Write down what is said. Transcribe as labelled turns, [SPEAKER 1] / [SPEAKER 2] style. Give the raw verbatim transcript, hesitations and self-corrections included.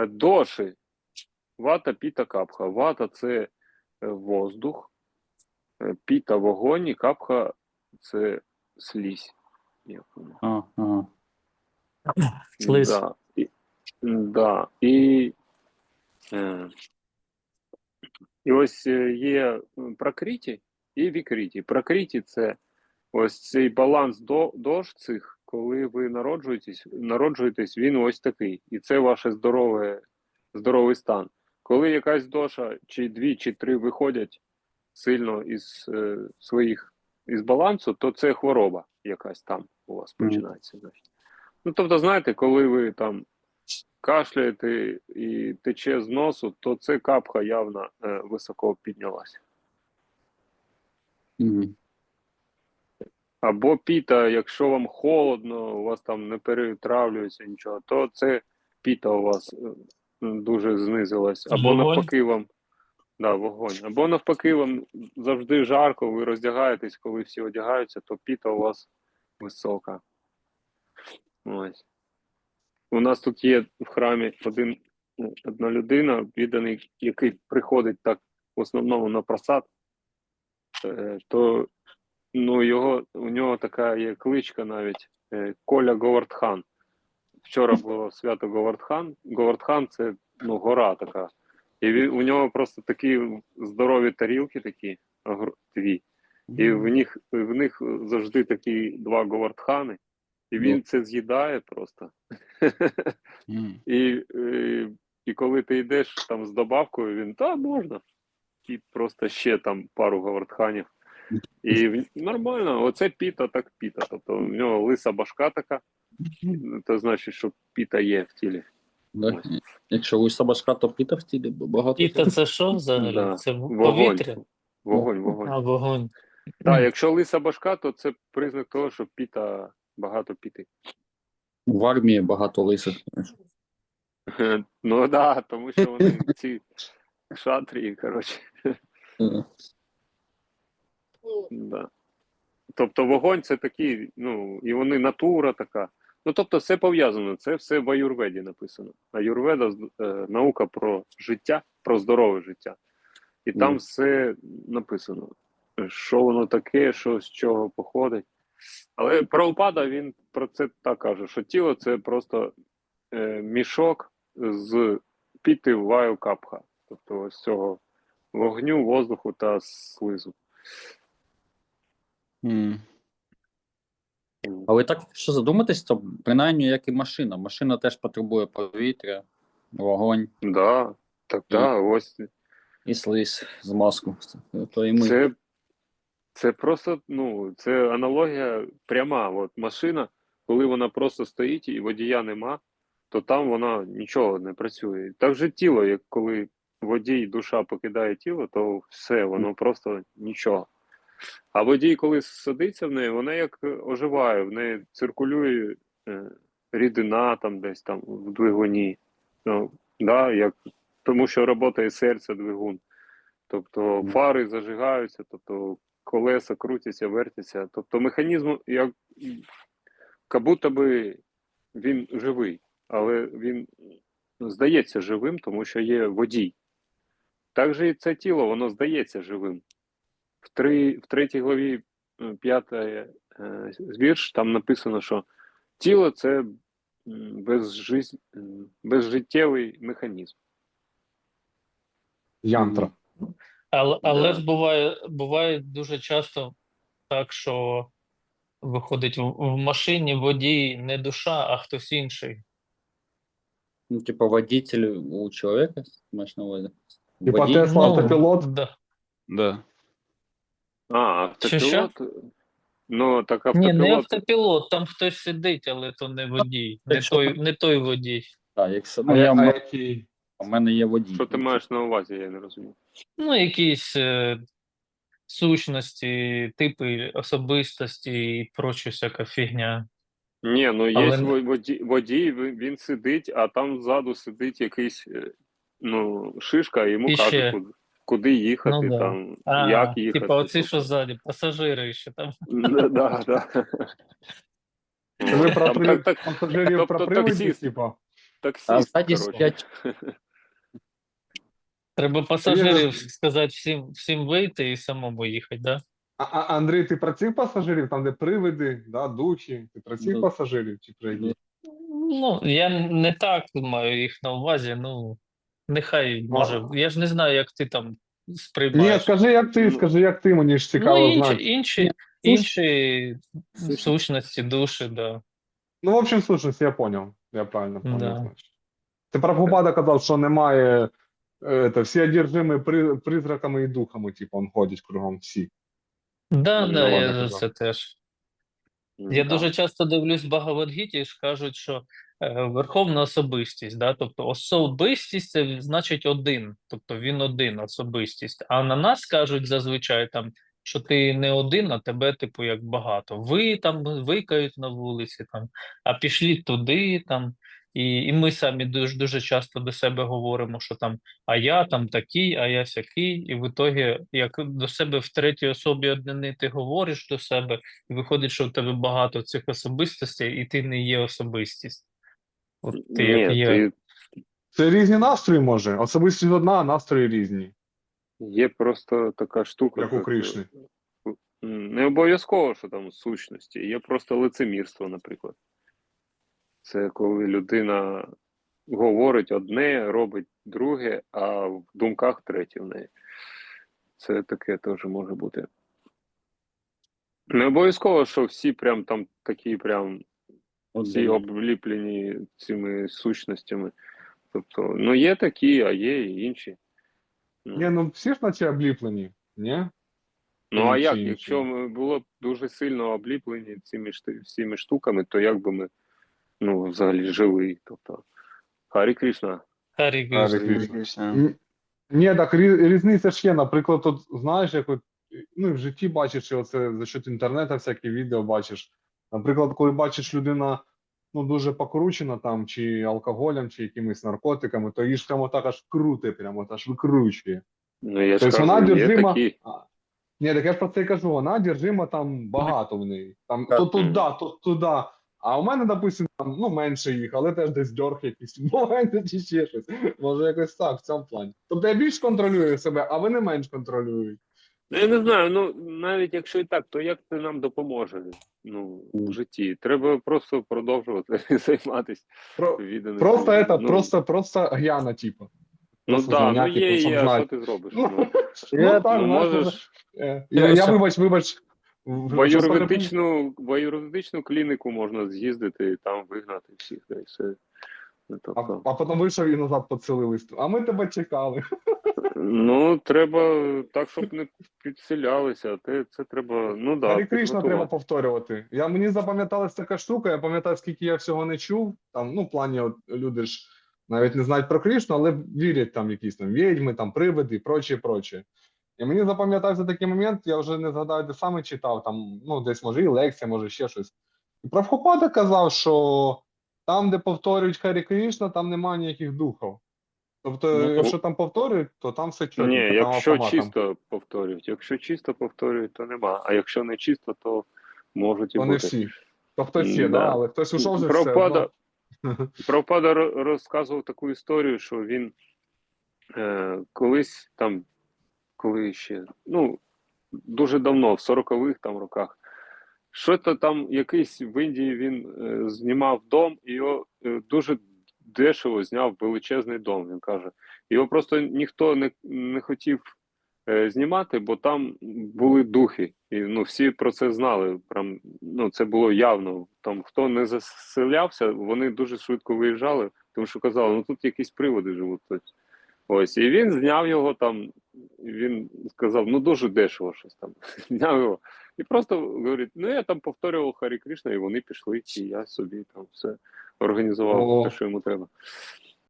[SPEAKER 1] Е, доші. Вата, піта, капха. Вата – це е, воздух, е, піта – вогонь, і капха – це слизь. Як воно?
[SPEAKER 2] А, ага.
[SPEAKER 3] Слиз.
[SPEAKER 1] Да. І, да. І, е, і ось е, є пракриті і вікриті. Пракриті – це ось цей баланс до, дож цих, коли ви народжуєтесь, народжуєтесь, він ось такий. І це ваше здорове, здоровий стан. Коли якась доша, чи дві, чи три виходять сильно із е, своїх, із балансу, то це хвороба якась там у вас починається. Значить. Ну, тобто, знаєте, коли ви там кашляєте і тече з носу, то це капха явно е, високо піднялася.
[SPEAKER 2] Мгм.
[SPEAKER 1] Або піта, якщо вам холодно, у вас там не перетравлюється нічого, то це піта у вас е, дуже знизилась. Або
[SPEAKER 3] Вогонь.
[SPEAKER 1] навпаки вам, да, вогонь. Або навпаки вам завжди жарко, ви роздягаєтесь, коли всі одягаються, то піта у вас висока. Ось. У нас тут є в храмі один, ну, одна людина, відданий, який приходить так в основному на просад, е, то ну, його, у нього така є кличка навіть е, Коля Говардхан. Вчора було свято Говардхан. Говардхан – це ну, гора така. І він, у нього просто такі здорові тарілки такі, агр- дві. І в них, в них завжди такі два Говардхани. І він
[SPEAKER 2] Ну.
[SPEAKER 1] це з'їдає просто.
[SPEAKER 2] Мгм.
[SPEAKER 1] І, і, і коли ти йдеш там з добавкою, він, та, можна. І просто ще там пару Говардханів. І в- нормально, оце піта, так піта. Тобто в нього лиса башка така, це значить, що піта є в тілі.
[SPEAKER 2] Да. Якщо лиса башка, то піта в тілі багато.
[SPEAKER 3] Піта це що взагалі?
[SPEAKER 1] Да.
[SPEAKER 3] Це в-
[SPEAKER 1] Вогонь.
[SPEAKER 3] повітря?
[SPEAKER 1] Вогонь, вогонь.
[SPEAKER 3] А, вогонь.
[SPEAKER 1] Так, якщо лиса башка, то це признак того, що піта, багато піти.
[SPEAKER 2] В армії багато лисих. знаєш.
[SPEAKER 1] Ну так, да, тому що вони ці шатрії, коротше.
[SPEAKER 2] Е,
[SPEAKER 1] Да. Тобто вогонь це такий, ну, і вони натура така. Ну, тобто все пов'язано, це все в аюрведі написано. Аюрведа е, наука про життя, про здорове життя. І там
[SPEAKER 2] Мгм.
[SPEAKER 1] все написано, що воно таке, що з чого походить. Але Прабхупада, він про це так каже, що тіло це просто е, мішок з піти ваю капха. Тобто ось цього вогню, воздуху та слизу.
[SPEAKER 2] М. Але так, якщо задуматись, то принаймні як і машина. Машина теж потребує повітря, вогонь
[SPEAKER 1] Да, так, да, ось
[SPEAKER 2] і слизь з маску. То і ми.
[SPEAKER 1] це, це просто, ну, це аналогія пряма. От машина, коли вона просто стоїть і водія нема, то там вона нічого не працює. Так же тіло, як коли водій, душа покидає тіло, то все, воно просто нічого. А водій, коли садиться в неї, вона як оживає, в неї циркулює е, рідина там десь там в двигуні. Ну, да, як, тому що працює серце, двигун. Тобто фари зажигаються, тобто колеса крутяться, вертяться. Тобто механізм, як, як будто би він живий, але він здається живим, тому що є водій. Так же і це тіло, воно здається живим. В, три, в третій главі е, п'ятий е, вірш, там написано, що тіло – це м, безжиз... м, безжиттєвий механізм.
[SPEAKER 4] Янтра.
[SPEAKER 3] Але, але
[SPEAKER 1] Да.
[SPEAKER 3] ж буває, буває дуже часто так, що виходить в, в машині водій не душа, а хтось інший.
[SPEAKER 2] Ну, типа водитель у чоловіка, маєш на увазі?
[SPEAKER 4] Типа
[SPEAKER 2] Водій?
[SPEAKER 4] Тесла
[SPEAKER 3] Ну,
[SPEAKER 4] автопілот.
[SPEAKER 3] да.
[SPEAKER 2] Да.
[SPEAKER 1] А,
[SPEAKER 3] Що, що?
[SPEAKER 1] автопілот? Ну, так
[SPEAKER 3] Ні, не
[SPEAKER 1] автопілот.
[SPEAKER 3] автопілот, там хтось сидить, але то не водій, не
[SPEAKER 2] Якщо
[SPEAKER 3] той,
[SPEAKER 2] там-
[SPEAKER 3] не той водій.
[SPEAKER 2] Так, якщо,
[SPEAKER 4] А,
[SPEAKER 2] ну,
[SPEAKER 4] я,
[SPEAKER 2] я,
[SPEAKER 4] а
[SPEAKER 2] м-
[SPEAKER 4] який?
[SPEAKER 2] у мене є водій.
[SPEAKER 1] Що ти маєш на увазі, я не розумію.
[SPEAKER 3] Ну, якісь е, сущності, типи особистості і проча всяка фігня.
[SPEAKER 1] Ні, ну є
[SPEAKER 3] Але-
[SPEAKER 1] во- водій, водій, він він сидить, а там ззаду сидить якийсь, е, ну, шишка, і йому
[SPEAKER 3] І
[SPEAKER 1] каже,
[SPEAKER 3] ще.
[SPEAKER 1] куди, куди їхати,
[SPEAKER 3] Ну, да.
[SPEAKER 1] там,
[SPEAKER 3] А,
[SPEAKER 1] як їхати.
[SPEAKER 3] типа оці,
[SPEAKER 1] тобто.
[SPEAKER 3] що ззаді, пасажири ще там.
[SPEAKER 1] Да, да, да.
[SPEAKER 4] Це ви
[SPEAKER 1] От,
[SPEAKER 4] про
[SPEAKER 1] там
[SPEAKER 4] при...
[SPEAKER 1] так- так-
[SPEAKER 4] пасажирів
[SPEAKER 1] тобто
[SPEAKER 4] про приводів,
[SPEAKER 1] таксист.
[SPEAKER 4] типа?
[SPEAKER 2] А
[SPEAKER 1] таксист,
[SPEAKER 2] ззаді
[SPEAKER 1] коротше.
[SPEAKER 2] сидять
[SPEAKER 3] Треба
[SPEAKER 4] Є-
[SPEAKER 3] пасажирів сказати всім, всім вийти і самому їхати, да?
[SPEAKER 4] А, а, Андрій, ти про цих пасажирів, там, де привиди, да, духи, ти про цих
[SPEAKER 2] Ну,
[SPEAKER 4] пасажирів чи про
[SPEAKER 2] ну,
[SPEAKER 4] які?
[SPEAKER 3] Ну, я не так маю їх на увазі, ну, нехай, може, я ж не знаю, як ти там
[SPEAKER 4] Ні,
[SPEAKER 3] сприймаєш.
[SPEAKER 4] скажи, як ти,
[SPEAKER 1] Ну,
[SPEAKER 4] скажи, як ти, мені ж
[SPEAKER 3] Ну,
[SPEAKER 4] цікаво
[SPEAKER 3] інші,
[SPEAKER 4] знати.
[SPEAKER 3] інші,
[SPEAKER 2] Ні,
[SPEAKER 3] інші
[SPEAKER 2] сущності.
[SPEAKER 3] сущності, душі, да.
[SPEAKER 4] Ну, в общем, слушай, я понял. Я правильно понял,
[SPEAKER 3] Да.
[SPEAKER 4] значить. Ти Прабхупада казав, що немає, е, це, всі одержимі при, призраками і духами, типу, он ходить кругом всі.
[SPEAKER 3] Да,
[SPEAKER 1] Ну,
[SPEAKER 3] да, я
[SPEAKER 4] ладно,
[SPEAKER 3] за
[SPEAKER 4] казав.
[SPEAKER 3] це теж.
[SPEAKER 1] м,
[SPEAKER 3] Я
[SPEAKER 1] да.
[SPEAKER 3] дуже часто дивлюсь Багавадгіті і ж кажуть, що е, верховна особистість, да? Тобто особистість це значить один, тобто він один особистість. А на нас кажуть зазвичай там, що ти не один, а тебе, типу, як багато. Ви там викають на вулиці, там, а пішли туди, там. І, і ми самі дуже дуже часто до себе говоримо, що там а я там такий, а я сякий, і в ітогі, як до себе в третій особі однини ти говориш до себе. І виходить, що в тебе багато цих особистостей, і ти не є особистість. От ти як
[SPEAKER 1] Ні,
[SPEAKER 3] є.
[SPEAKER 1] ти
[SPEAKER 4] Це різні настрої, може. Особистість одна, а настрої різні,
[SPEAKER 1] є просто така штука,
[SPEAKER 4] як у
[SPEAKER 1] як,
[SPEAKER 4] Кришни.
[SPEAKER 1] м, не обов'язково, що там сущності, є просто лицемірство, наприклад. Це коли людина говорить одне, робить друге, а в думках третє в неї. Це таке теж може бути. Не обов'язково, що всі прям там такі прям всі
[SPEAKER 2] один.
[SPEAKER 1] обліплені цими сущностями. Тобто, ну є такі, а є і інші. Ну,
[SPEAKER 4] Ні, ну всі ж наче обліплені, ні?
[SPEAKER 1] ну а
[SPEAKER 4] чи
[SPEAKER 1] як,
[SPEAKER 4] інші?
[SPEAKER 1] якщо ми було б дуже сильно обліплені цими шти- всіми штуками, то як би ми ну, взагалі жили? Тобто, Харі Кришна.
[SPEAKER 3] Харі
[SPEAKER 4] Гарі
[SPEAKER 3] Кришна.
[SPEAKER 4] Кришна. М, Ні, так рі- різниця ж є. Наприклад, от знаєш, як от, ну, і в житті бачиш, і оце за счет інтернету всякі відео бачиш. Наприклад, коли бачиш людина ну, дуже покручена там, чи алкоголем, чи якимись наркотиками, то її ж прямо так аж круте, прямо аж викручує.
[SPEAKER 1] Ну я ж
[SPEAKER 4] Тобто
[SPEAKER 1] кажу,
[SPEAKER 4] вона
[SPEAKER 1] є
[SPEAKER 4] одержима.
[SPEAKER 1] такі.
[SPEAKER 4] А, ні, так я ж про це і кажу, вона одержима там багато в неї. Там
[SPEAKER 2] Так.
[SPEAKER 4] то туди, то туди. А у мене, допустим, там ну, менше їх, але теж десь дьорг якийсь моменти чи ще щось. Може якось так в цьому плані. Тобто я більш контролюю себе, а вони менш контролюють.
[SPEAKER 1] Ну, я не знаю, ну навіть якщо і так, то як це нам допоможе ну, в житті? Треба просто продовжувати займатися
[SPEAKER 4] Про,
[SPEAKER 1] відданим.
[SPEAKER 4] просто
[SPEAKER 1] людям.
[SPEAKER 4] это,
[SPEAKER 1] ну,
[SPEAKER 4] просто, просто гьяна, типа.
[SPEAKER 1] Ну
[SPEAKER 4] Просто
[SPEAKER 1] так, да, ну
[SPEAKER 4] звонять,
[SPEAKER 1] є,
[SPEAKER 4] типу, щоб
[SPEAKER 1] є, а що
[SPEAKER 4] знати.
[SPEAKER 1] ти зробиш?
[SPEAKER 4] Ну,
[SPEAKER 1] Ну,
[SPEAKER 4] ну так,
[SPEAKER 1] ну
[SPEAKER 4] знаєш,
[SPEAKER 1] можеш
[SPEAKER 4] е, я, я вибач, вибач.
[SPEAKER 1] в
[SPEAKER 4] в- щось мене пом-
[SPEAKER 1] аюрведичну, в аюрведичну клініку можна з'їздити і там вигнати всіх, да, і все. Ну,
[SPEAKER 4] А,
[SPEAKER 1] тобто,
[SPEAKER 4] а потім вийшов і назад поцілились. А ми тебе чекали.
[SPEAKER 1] ну, треба так, щоб не підселялися. Те, це треба, ну да,
[SPEAKER 4] Гарі Кришна треба
[SPEAKER 1] підготувати.
[SPEAKER 4] повторювати. Я, мені запам'яталась така штука, я пам'ятаю, скільки я всього не чув. Там, ну, в плані, от, люди ж навіть не знають про Кришну, але вірять там якісь там відьми, там привиди і прочее, прочее. І мені запам'ятався такий момент, я вже не згадаю, де саме читав, там, ну, десь може і лекція, може ще щось. І Прабхупада казав, що там, де повторюють Харі Кришна, там немає ніяких духів. Тобто,
[SPEAKER 2] Ну,
[SPEAKER 4] якщо там повторюють, то там все
[SPEAKER 1] Ні,
[SPEAKER 4] чотенько, там
[SPEAKER 1] якщо
[SPEAKER 4] автоматом.
[SPEAKER 1] чисто повторюють. Якщо чисто повторюють, то нема. А якщо не чисто, то можуть і
[SPEAKER 4] То не
[SPEAKER 1] бути.
[SPEAKER 4] всі. То хтось є,
[SPEAKER 1] Да.
[SPEAKER 4] да, але хтось ушов вже все
[SPEAKER 1] Прабхупада,
[SPEAKER 4] одно.
[SPEAKER 1] Прабхупада ро- розказував таку історію, що він е, колись там, коли ще, ну, дуже давно, в сорокових там роках, що то там якийсь в Індії він е, знімав дом, і його е, дуже дешево зняв величезний дом, він каже. Його просто ніхто не, не хотів е, знімати, бо там були духи. І ну, всі про це знали. Прям, ну, це було явно. Там хто не заселявся, вони дуже швидко виїжджали, тому що казали, ну тут якісь приводи живуть. Ось, і він зняв його там, він сказав, ну дуже дешево щось там. Зняв його. І просто говорить, ну я там повторював Харі Кришна, і вони пішли, і я собі там все організував,
[SPEAKER 4] О.
[SPEAKER 1] те, що йому треба.